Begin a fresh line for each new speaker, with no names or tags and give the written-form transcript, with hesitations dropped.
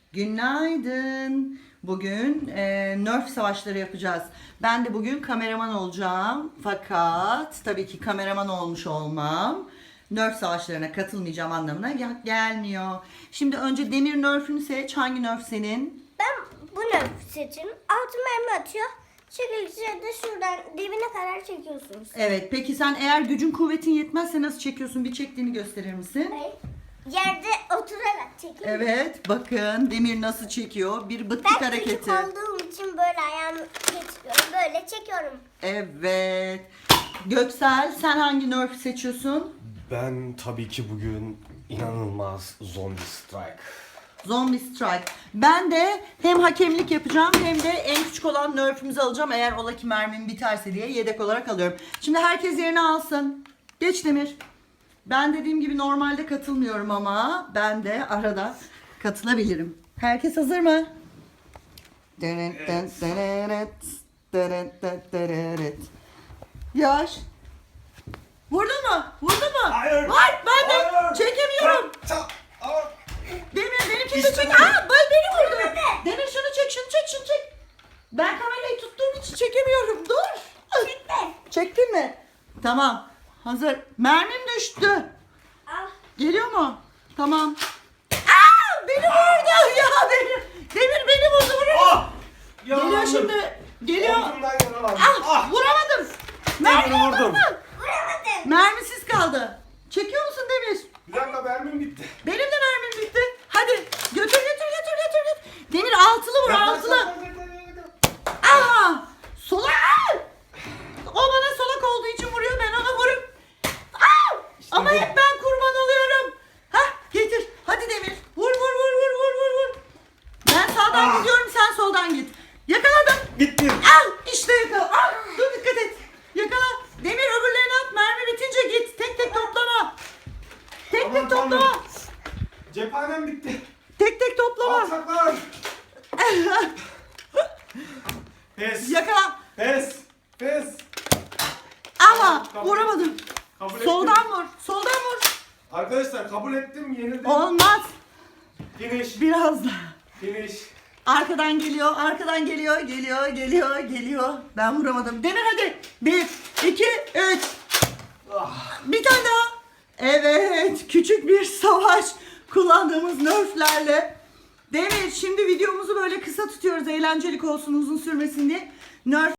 Günaydın. Bugün Nerf savaşları yapacağız. Ben de bugün kameraman olacağım. Fakat tabii ki kameraman olmuş olmam Nerf savaşlarına katılmayacağım anlamına gelmiyor. Şimdi önce demir Nerf'ünü seç. Hangi Nerf senin?
Ben bu Nerf'ü seçiyorum. Altı mermi atıyor. Çekildikçe de şuradan dibine kadar çekiyorsunuz.
Evet. Peki sen eğer gücün kuvvetin yetmezse nasıl çekiyorsun? Bir çektiğini gösterir misin?
Hayır. Yerde oturarak çekiyorum.
Evet. Bakın demir nasıl çekiyor. Bir bıttık
Ben
hareketi.
küçük olduğum için böyle ayağımı getiriyorum. Böyle çekiyorum.
Evet. Göksel sen hangi Nerf seçiyorsun?
Ben tabii ki bugün inanılmaz Zombie Strike.
Zombie Strike. Ben de hem hakemlik yapacağım hem de en küçük olan Nerf'ümüzü alacağım. Eğer ola ki mermim biterse diye yedek olarak alıyorum. Şimdi herkes yerini alsın. Geç Demir. Ben dediğim gibi normalde katılmıyorum ama ben de arada katılabilirim. Herkes hazır mı? Yavaş. Vurdun mu? Vurdun mu?
Hayır.
Var. Ben de
Hayır.
çekemiyorum. Demir benimkini de çek. Aa, beni vurdu. Demir şunu çek, şunu çek, şunu çek. Ben kamerayı tuttuğum için çekemiyorum. Dur.
Çekme.
Çektin mi? Tamam. Hazır. Mermim düştü.
Al.
Geliyor mu? Tamam. Aa, beni vurdu. Ya Demir beni vurdu. Vurur. Geliyor şimdi. Geliyor.
Omzumdan yaralandım.
Ah, vuramadım. Mermi
vurdum.
vurdun mu?
Vuramadım.
Mermisiz kaldı. Çekiyor musun Demir?
Bir dakika mermim bitti.
Benim de mermim bitti. Hadi götür. Demir altılı vur, altılı. Aha! Solak! O bana solak olduğu için vuruyor, ben ona vurup. Aa! Ama
bu.
hep ben kurban oluyorum. Hah, getir. Hadi Demir. Vur. Ben sağdan gidiyorum, sen soldan git. Yakaladım.
Bitti.
Al, işte yakala. Al, dur dikkat et. Yakala. Demir öbürlerini at. Mermi bitince git. Tek toplama. Tek
Aman
toplama.
Tanrım. Cephanem bitti.
Tek toplama.
Alçaklar. Pes.
Yakala.
Pes.
Ama
Kabul.
vuramadım.
Kabul ettim.
Soldan vur.
Arkadaşlar kabul ettim. Yenildim.
Olmaz.
Finish.
Biraz daha.
Finish.
Arkadan geliyor. Geliyor. Ben vuramadım. Demir hadi. 1, 2, 3. Bir tane daha. Evet. Küçük bir savaş kullandığımız Nerf'lerle. Demir şimdi videomuzu böyle kısa tutuyoruz. Eğlencelik olsun, uzun sürmesin diye. Nerf